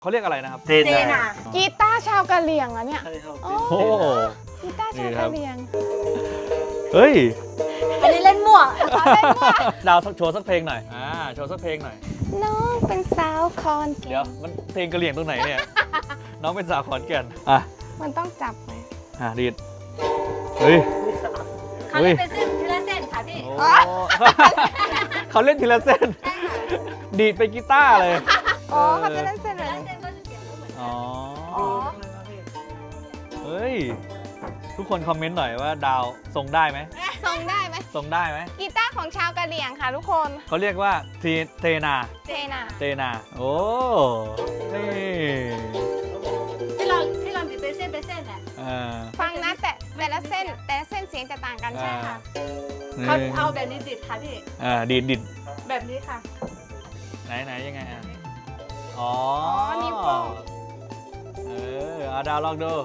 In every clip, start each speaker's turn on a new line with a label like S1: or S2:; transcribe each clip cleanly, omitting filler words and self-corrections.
S1: เขาเรียกอะไรนะครับ
S2: เจน่ะ
S3: กีตาร์ชาวกะเหรี่ยงอะเนี่ย
S1: โอ้โห
S3: กีตาร์ชาวกะเหรี่ยง
S1: เฮ้ย
S2: อันนี้เล่นมั่ว
S1: ดาวโชว์สักเพลงหน่อยโชว์สักเพลงหน่อย
S3: น้องเป็นสาวคอนแก่
S1: เดี๋ยวน มันเพลงกะเหรี่ยงตรงไหนเนี่ย น้องเป็นสาวขอนแก่น
S3: มันต้องจับไหม
S1: ดีดเฮ้ย
S2: เขาเล่นเป็นเส้นทีละเส้นค่ะพี่
S1: โอ้ เขาเล่นทีละเส้น ดีดไปกีตาร์เลย
S3: อ๋อเขาจะเล่นเส้น
S2: ที
S3: อะไร
S2: ละเส้นก็จะเสียงไม่เหมือน
S1: อ๋อ
S3: อ๋อ
S1: เฮ้ย ทุกคนคอมเมนต์หน่อยว่าดาวทรงได้ไหม
S3: ทรงได้ไหม
S1: ทรงได้ไหม
S3: กีตาร์ของชาวกะเหรี่ยงค่ะทุกคน
S1: เขาเรียกว่าเทนา
S3: เจน่ะ
S1: เทนาโอ้นี่
S2: ที่เราติดเป็นเส้นแหละ
S3: ฟังนะแต่ละเส้นเสียงจะต่างกันใช่ค่ะ
S2: เขาเอาแบบนี้ติดค่ะพี่
S1: ดีด
S2: แบบนี้ค่ะ
S1: ไหนยังไงอ๋อ
S3: นิ้วโป้ง
S1: ดาวลองดู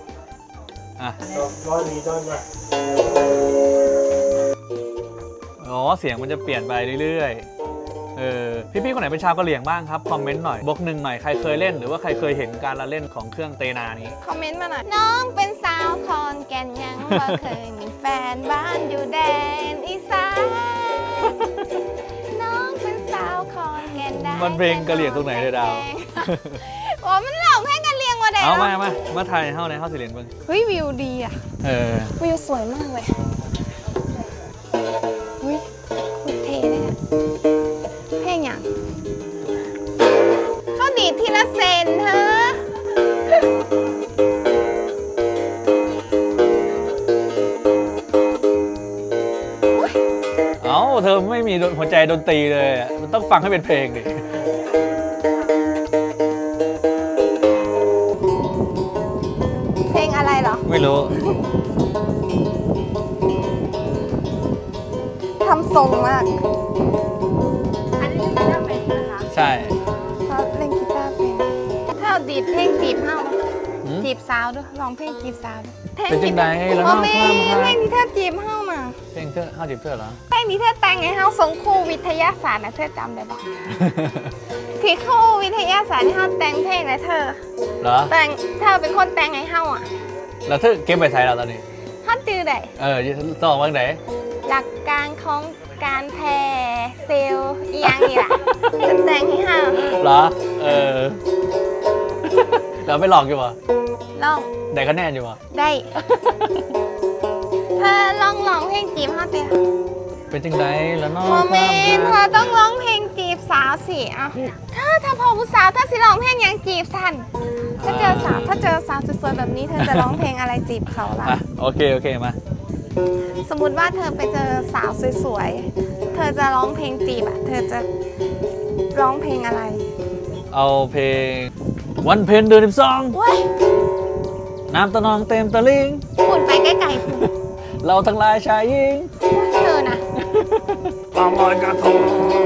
S1: อ๋อเสียงมันจะเปลี่ยนไปเรื่อยๆพี่ๆคนไหนเป็นชาวกะเหรี่ยงบ้างครับคอมเมนต์หน่อยบอกหนึ่งหน่อยใครเคยเล่นหรือว่าใครเคยเห็นการละเล่นของเครื่องเตนานี้
S3: คอมเมนต์มาหน่อย น้องเป็นสาวคอนแก่นยังบ่เคยมีแฟนบ้านอยู่แดนอีสานน้องเป็นสาวคอนแก่นได้
S1: มันเพลงกะเหรี่ยงตรงไหนเลยดาว
S3: โอ้มันหลอกเพลงกะเหรี่ยงว่ะเด็ก
S1: เอามาไทยเข้าในเข้าสิเรียนเบิ้ง
S3: เฮ้ยวิวดีอ่ะ วิวสวยมากเลยเฮ้ยโคตรเท่เลยอะเพลงอย่างเขาดีดทีละเซนเธอ
S1: เอ้าเธอไม่มีหัวใจดนตรีเลยอะมันต้องฟังให้เป็นเพลงดิ
S3: เพลงอะไรเหรอ
S1: ไม่รู้
S3: ทำทรงมาก
S2: อันนี้คือได้เป็นนะคะ
S1: ใช่
S3: เขาเล่นกีตาร์เป็นถ้าเอาดีดเพลงจีบเฮา
S1: หืม
S3: จีบสาวด้วยร้องเพลงจีบสาวด้วย
S1: เป็นจังใดแล้ว
S3: โอ้
S1: เนาะ
S3: แม่
S1: ความ
S3: เพล
S1: รั
S3: ง
S1: ก
S3: ที่เธอจีบเฮาน่ะ
S1: เพลงเธอเข้าจีบเธอเหรอ
S3: เพลงที่เธอแต่งให้เฮาส่งครูวิทยาศาสตร์นะเธอจำได้ปะ ที่ครูวิทยาศาสตร์ที่เฮาแต่งเพลงนะเธอ
S1: เหรอ
S3: แต่งเธอเป็นคนแต่งให้เฮาอ่ะ
S1: แล้วเธอเก็บไปใส่เราตอนนี้
S3: เฮาจื้อได้
S1: สองวันไหน
S3: หลักการของการแพร่เซลล์อีหยังนี่ล่ะ เธอแต่งให้เฮา
S1: เหรอ เราไม่หลอกอยู่ปะ
S3: ลอง
S1: ได้คะแนนอยู่ปะ
S3: ได้ เธอลองร้องเพลงจีบเฮาเตีย
S1: เป็นจังใดแล้วเนาะ
S3: โมเมนต์เธ
S1: ควา
S3: อ
S1: มรัก
S3: ต้องร้องเพลงจีบสาวสิอ่ะถ้าพอผู้สาวถ้าสิร้องเพลงหยังจีบสันถ้าเจอสาวสวยๆแบบนี้เธอจะร้องเพลงอะไรจีบเขาล่ะ
S1: โอเคมา
S3: สมมติว่าเธอไปเจอสาวสวยๆ เธอจะร้องเพลงจีบอ่ะ เธอจะร้องเพลงอะไร
S1: เอาเพลงวันเพ็ญเดือน12
S3: เว้ย
S1: น้ำตะนองเต็มตะลิง
S3: ฝุ่นไปใกล้ๆฝุ่น
S1: เราทั้งหลายชายหญิง
S3: เธอนะ
S1: ตามรอยกระทง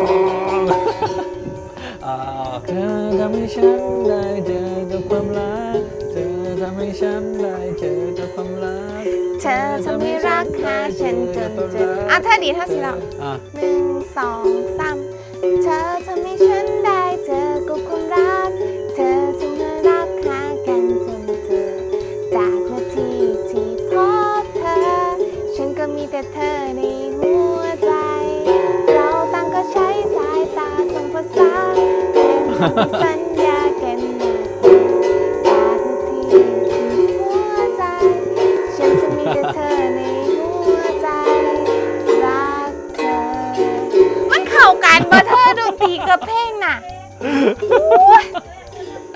S1: เธอทำให้ฉันได้เจอกับความรักเธอทำให้ฉันได้เจอกับความรัก
S3: เธอทำให้รักหาฉันจนเจออ่ะถ้าดีถ้าสิเรา 1 2 3 เธอทำให้ฉันได้เจอกับความรัก เธอทำให้รักหากันจนเจอ จากนาทีที่พบเธอ ฉันก็มีแต่เธอในหัวใจ เราต่างก็ใช้สายตาส่งภาษาเป็นสัญญากันมาจากนาทีที่หัวใจ ฉันจะมีแต่เธอในหัวใจ รักเธอ มันเข้ากันบ่เธอดนตรีกับเพลงน่ะ